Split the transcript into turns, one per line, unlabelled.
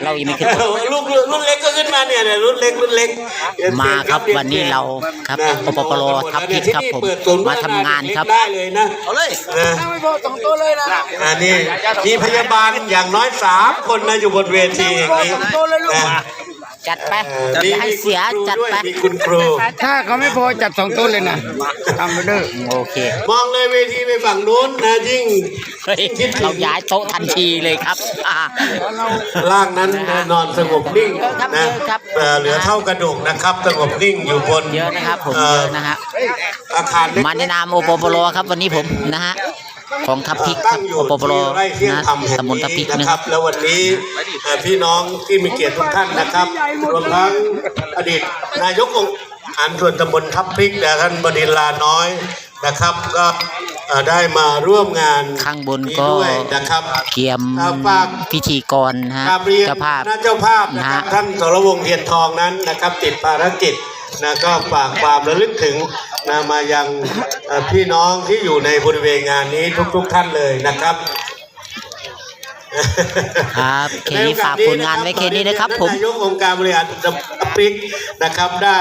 เรายังไม่ขึ้น
ลูกรุ่นเล็กก็ขึ้นมาเนี่ยรุ่นเล็ก
มาครับวันนี้เราครับอปปรทับทิศครับผมมาทำงานครับ
ได้เลยนะเอาเลยไม่พอ2ตัวเลยนะนี่มีพยาบาลอย่างน้อย3 คนนะอยู่บนเวทีอย่างนี้
จัดไปอย่าให้เสียจัดไป
มีคุณครู
ถ้าเขาไม่พอจัด2 ต้นเลยนะทำไปเด้อ
โอเค
มองเลยเวทีไปฝั่งนู้นนะยิ่ง
เฮ้ยเราย้ายโต๊ะทันทีเลยครับ
ร่างนั้นนอนสงบนิ่งนะเหลือเท่ากระดูกนะครับสงบนิ่งอยู่บน
เยอะนะครับผมเยอะนะฮะ
อาคารเล็ก
มาในนามอปปรครับวันนี้ผมนะฮะของทัพพริกค
ตั้
รับ
งอยู่
อปปร
ที่ไร่เที่ยง
นะ
ธรรมแห่ง
ตำบล
นี้
ทัพพริก
นะ
นะ
ค
ค
รั
รั
บบ แล้ววันนี้พี่น้องที่มีเกียรติทุกท่านนะครับรวมทั้งอดีตนายกองค์การส่วนตำบลทับพริกและท่านบดินทร์ลาน้อยนะครับก็ได้มาร่วมงาน
ข้างบนก็
ด้วยนะครับ
เกียม
ฝาก
พิธีกรนะฮะ
กราบเรียน
เจ้าภาพ
คณะเจ้าภาพนะครับท่านสรวงศ์เทียนทองนั้นนะครับติดภารกิจนะก็ฝากความระลึกถึงนะมายังพี่น้องที่อยู่ในบริเวณงานนี้ทุกท่านเลยนะครับ
ครับเคนี้ฝากผลงานไว้แค่นี้นะครับผม
นายกองค์การบริหารจังหวัดพริกนะครับได้